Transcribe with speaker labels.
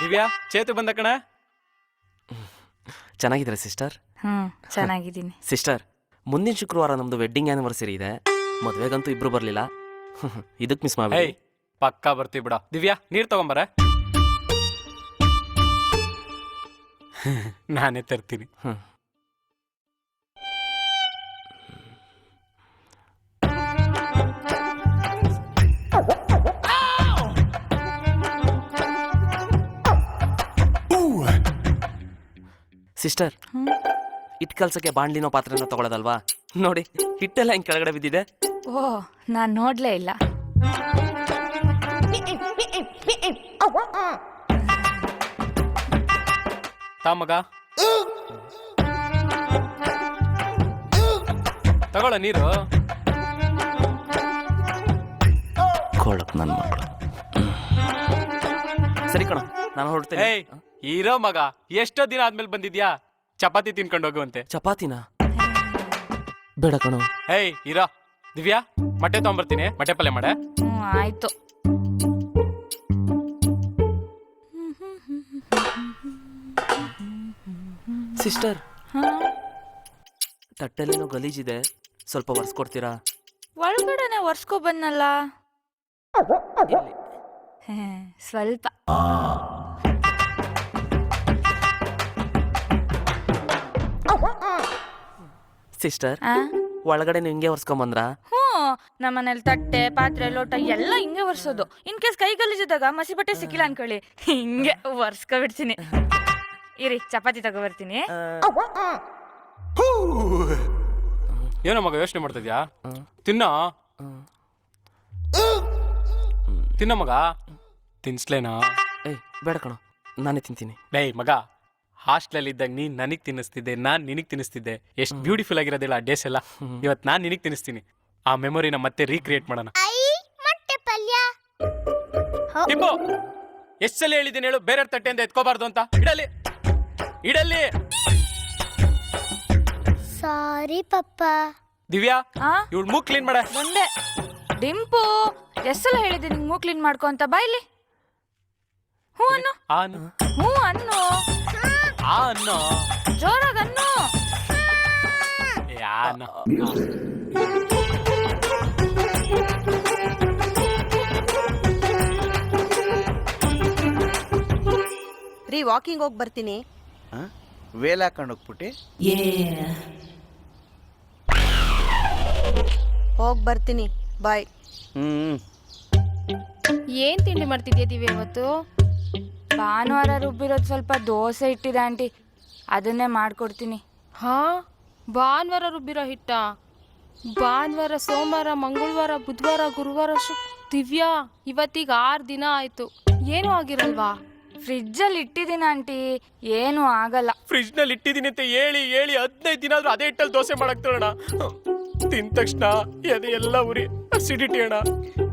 Speaker 1: ದಿವ್ಯಾ, ಚೇತು ಬಂದ ಕಣ.
Speaker 2: ಚೆನ್ನಾಗಿದ್ದೀರಾ ಸಿಸ್ಟರ್?
Speaker 3: ಚೆನ್ನಾಗಿದ್ದೀನಿ
Speaker 2: ಸಿಸ್ಟರ್, ಮುಂದಿನ ಶುಕ್ರವಾರ ನಮ್ದು ವೆಡ್ಡಿಂಗ್ ಆ್ಯನಿವರ್ಸರಿ ಇದೆ. ಮದುವೆಗಂತೂ ಇಬ್ರು ಬರಲಿಲ್ಲ. ಇದಕ್ಕೆ ಮಿಸ್ ಮಾಡಿ.
Speaker 1: ಹೇಯ್, ಪಕ್ಕಾ ಬರ್ತೀವಿ ಬಿಡ. ದಿವ್ಯಾ, ನೀರು ತಗೊಂಬರ. ನಾನೇ ತರ್ತೀನಿ.
Speaker 2: ಸಿಸ್ಟರ್, ಹಿಟ್ಟು ಕಲ್ಸಕ್ಕೆ ಬಾಣ್ಲಿನೋ ಪಾತ್ರೆನೋ ತಗೊಳ್ಳೋದಲ್ವಾ? ನೋಡಿ, ಹಿಟ್ಟೆಲ್ಲ ಹಿಂಗೆ ಕೆಳಗಡೆ ಬಿದ್ದಿದೆ.
Speaker 3: ಓ, ನಾನು ನೋಡ್ಲೇ ಇಲ್ಲ.
Speaker 1: ತಾ ಮಗ, ತಗೊಳ್ಳ ನೀರು.
Speaker 2: ಕೊಳಕ್ ನನ್ನ ಮಗಳು. ಸರಿ ಕಣ, ನಾನು ಹೊರಡ್ತೇನೆ.
Speaker 1: ಏಯ್, ಇರೋ ಮಗ, ಎಷ್ಟೋ ದಿನ ಆದ್ಮೇಲೆ ಬಂದಿದ್ಯಾ? ಚಪಾತಿ ತಿನ್ಕೊಂಡು ಹೋಗುವಂತೆ.
Speaker 2: ಚಪಾತಿನ ಬೇಡ ಕಣೋ.
Speaker 1: ಏಯ್, ಇರೋ. ದಿವ್ಯಾ, ಮೊಟ್ಟೆ ತಗೊಂಬರ್ತೀನಿ, ಮೊಟ್ಟೆ ಪಲ್ಯ ಮಾಡೆ.
Speaker 3: ಆಯ್ತು.
Speaker 2: ಸಿಸ್ಟರ್, ತಟ್ಟೆಲೇನೋ ಗಲೀಜಿದೆ, ಸ್ವಲ್ಪ ಒರೆಸ್ಕೊಡ್ತೀರಾ?
Speaker 3: ಒಳಗಡೆನೆ ಒರ್ಸ್ಕೊ ಬಂದಲ್ಲ. ಸ್ವಲ್ಪ.
Speaker 2: ಸಿಸ್ಟರ್, ಒಳಗಡೆ ಹಿಂಗೆ ಒರೆಸ್ಕೊಂಬಂದ್ರಾ?
Speaker 3: ನಮ್ಮನೇಲಿ ತಟ್ಟೆ ಪಾತ್ರೆ ಲೋಟ ಎಲ್ಲ ಹಿಂಗೆ ಒರ್ಸೋದು. ಇನ್ ಕೇಸ್ ಕೈ ಗಲೀಜಿದಾಗ ಮಸಿ ಬಟ್ಟೆ ಸಿಕ್ಕಿಲ್ಲ ಅನ್ಕೊಳ್ಳಿ, ಹಿಂಗೆ ಒರ್ಸ್ಕೊಬಿಡ್ತೀನಿ. ಇರಿ, ಚಪಾತಿ ತಗೋಬರ್ತೀನಿ.
Speaker 1: ಏನೋ ಮಗ ಯೋಚನೆ ಮಾಡ್ತಿದ್ಯಾ? ತಿನ್ನ ತಿನ್ನ ಮಗ. ತಿನ್ಸ್ಲೇನಾ?
Speaker 2: ಏಯ್, ಬೇಡ ಕಣೋ, ನಾನೇ ತಿಂತೀನಿ.
Speaker 1: ಡೇಯ್ ಮಗ, ಹಾಸ್ಟೆಲ್ ಇದ್ದಾಗ ನೀನ್ ನನಗ್ ತಿನ್ನಿಸ್ತಿದ್ದೆ, ನಾನ್ ನಿನಗ್ ತಿನ್ನಿಸ್ತಿದ್ದೆ. ಎಷ್ಟು ಬ್ಯೂಟಿಫುಲ್ ಆಗಿರೋದಿಲ್ಲ ಆ ಡೇಸ್ ಎಲ್ಲ. ಇವತ್ತು ನಾನ್ ನಿನಗ್ ತಿನ್ನಿಸ್ತೀನಿ. ಆ ಮೆಮೊರಿನ ಮತ್ತೆ ರೀಕ್ರಿಯೇಟ್ ಮಾಡೋಣ. ಟಿಂಬು, ಎಷ್ಟ್ ಸಲ ಹೇಳಿದ್ದೀನಿ ಹೇಳು, ಬೇರೆ ತಟ್ಟೆಯಿಂದ ಎತ್ಕೋಬಾರ್ದು ಅಂತ. ಇಡಲಿ ಇಡಲಿ.
Speaker 4: ಸಾರಿ ಪಪ್ಪ.
Speaker 1: ದಿವ್ಯಾ, ಇವಳು ಮೂಗ್ ಕ್ಲೀನ್ ಮಾಡ.
Speaker 3: ಬಂದೆ. ಡಿಂಪು, ಎಷ್ಟೆಲ್ಲ ಹೇಳಿದೆ ನಿಂಗೆ ಮೂಗ್ ಕ್ಲೀನ್ ಮಾಡ್ಕೊ ಅಂತ. ಬಾಯ್ಲಿ. ಹ್ಞೂ ಅನ್ನು. ಹ್ಞೂ ಅನ್ನು.
Speaker 1: ಅನ್ನೋ
Speaker 3: ಜೋರಾಗ ಅನ್ನು.
Speaker 5: ರೀ, ವಾಕಿಂಗ್ ಹೋಗಿ ಬರ್ತೀನಿ.
Speaker 6: ವೇಲ್ ಹಾಕೊಂಡು ಹೋಗ್ಬಿಟ್ಟು
Speaker 5: ಹೋಗಿ ಬರ್ತೀನಿ. ಬಾಯ್.
Speaker 7: ಏನ್ ತಿಂಡಿ ಮಾಡ್ತಿದ್ಯಾ ದಿವ್ಯ ಇವತ್ತು?
Speaker 3: ಭಾನುವಾರ ರುಬ್ಬಿರೋದು ಸ್ವಲ್ಪ ದೋಸೆ ಇಟ್ಟಿದೆ ಆಂಟಿ, ಅದನ್ನೇ ಮಾಡ್ಕೊಡ್ತೀನಿ.
Speaker 7: ಹಾ, ಭಾನುವಾರ ರುಬ್ಬಿರೋ ಹಿಟ್ಟ? ಭಾನುವಾರ, ಸೋಮವಾರ, ಮಂಗಳವಾರ, ಬುಧವಾರ, ಗುರುವಾರ, ದಿವ್ಯಾ, ಇವತ್ತಿಗೆ 6 ದಿನ ಆಯ್ತು. ಏನೂ ಆಗಿರಲ್ವಾ?
Speaker 3: ಫ್ರಿಜ್ಜಲ್ಲಿ ಇಟ್ಟಿದ್ದೀನಿ ಆಂಟಿ, ಏನೂ ಆಗಲ್ಲ.
Speaker 1: ಫ್ರಿಜ್ ನಲ್ಲಿ ಇಟ್ಟಿದ್ದೀನಿ ಅಂತ ಹೇಳಿ 15 ದಿನ ಆದ್ರೂ ಅದೇ ಹಿಟ್ಟಲ್ಲಿ ದೋಸೆ ಮಾಡಕ್ ತಗೋಣ. ತಿಂದ ತಕ್ಷಣ ಎದೆ ಎಲ್ಲ ಉರಿ, ಅಸಿಡಿಟಿ ಅಣ್ಣ.